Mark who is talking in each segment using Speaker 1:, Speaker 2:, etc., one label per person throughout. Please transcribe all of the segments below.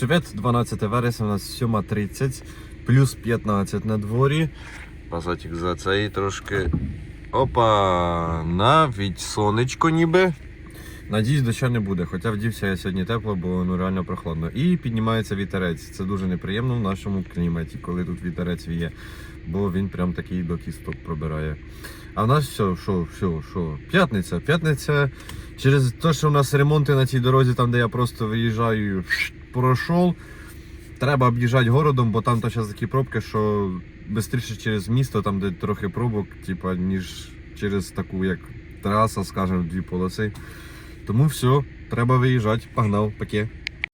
Speaker 1: Всім привіт, 12 вересня, у нас 7:30, плюс 15 на дворі. Пасатик за цей трошки. Опа, навіть сонечко ніби. Надіюсь, дощу не буде, хоча вдівся я сьогодні тепло, бо реально прохладно. І піднімається вітерець. Це дуже неприємно в нашому кліматі, коли тут вітерець віє, бо він прям такий до кісток пробирає. А в нас що? П'ятниця. Через те, що у нас ремонти на цій дорозі, там де я просто виїжджаю, пройшов. Треба об'їжджати городом, бо там то зараз такі пробки, що швидше через місто, там де трохи пробок, типа, ніж через таку, як траса, скажімо, дві полоси. Тому все, треба виїжджати. Погнав, паке.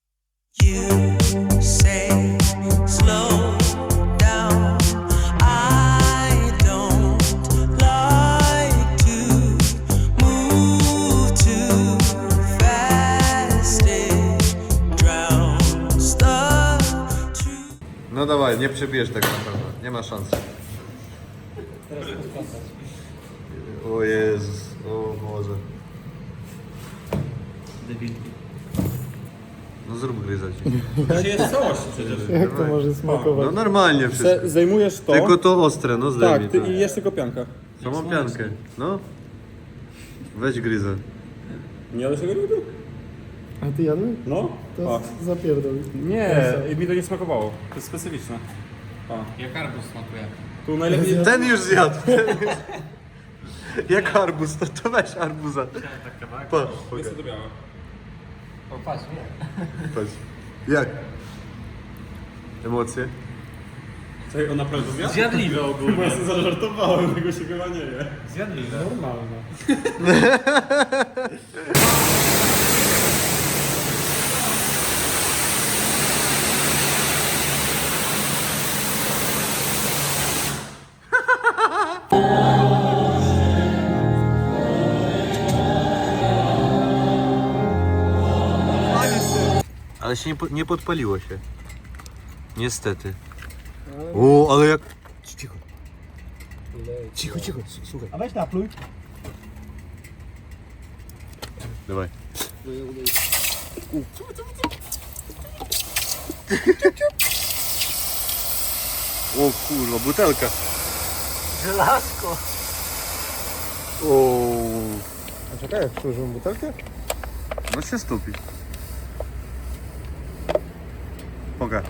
Speaker 1: No dawaj, nie przebierz tego na pewno, nie ma szans. O Jezus, o Boże. No zrób gryzać.
Speaker 2: To jest całość przecież.
Speaker 3: Jak to może smakować?
Speaker 1: No normalnie wszystko.
Speaker 3: Zajmujesz to.
Speaker 1: Tylko to ostre, no zdejmij
Speaker 3: Tak,
Speaker 1: to.
Speaker 3: i jest tylko pianka.
Speaker 1: Samą piankę, no. Weź gryzę.
Speaker 2: Nie jadłeś tego nigdy?
Speaker 3: A ty jadłeś?
Speaker 2: No.
Speaker 3: To zapierdol.
Speaker 2: Nie, mi to nie smakowało. To jest specyficzne.
Speaker 4: Jak arbuz smakuje.
Speaker 2: Tu najlepiej...
Speaker 1: Ten już zjadł. Jak arbuz, to weź arbuza. Pa,
Speaker 2: Jest to białe.
Speaker 4: O, patrz, nie.
Speaker 1: patrz. Jak? Emocje?
Speaker 2: Czekaj, on naprawdę zjadł?
Speaker 4: Zjadliwe ogólnie.
Speaker 2: Bo ja sobie zażartowałem, tego się chyba nie je.
Speaker 4: Zjadliwe.
Speaker 3: Normalne.
Speaker 1: Ale się nie podpaliło się. Niestety. O, ale jak... Cicho, słuchaj.
Speaker 3: A weź napluj.
Speaker 1: Dawaj. O kurwa, butelka.
Speaker 4: Żelazko.
Speaker 1: O,
Speaker 3: A czekaj, jak przyłożyłem butelkę?
Speaker 1: no się stupi. Poka.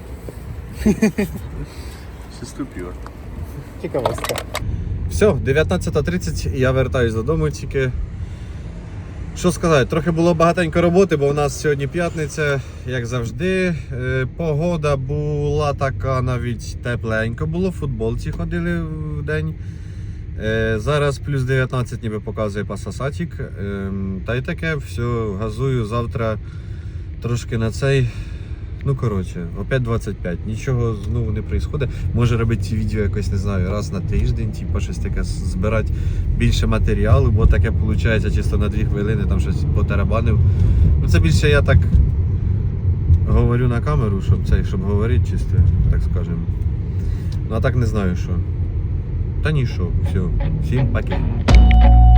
Speaker 1: Się ступила.
Speaker 3: Ciekawostka.
Speaker 1: Все, 19:30 і я вертаюсь додому тільки. Що сказати, трохи було багатенько роботи, бо у нас сьогодні п'ятниця, як завжди. Погода була така, навіть тепленько було, в футболці ходили в день. Зараз плюс 19 ніби показує пасасатік. Та й таке, все, газую завтра трошки на цей. Ну коротше, опять 25, нічого знову не відбувається. Може робити ці відео якось, не знаю, раз на тиждень, типу щось таке, збирати більше матеріалу, бо таке виходить чисто на 2 хвилини, там щось потарабанив. Ну це більше я так говорю на камеру, щоб говорити чисто, так скажемо. Ну а так не знаю що. Та ні що, все, всім паки.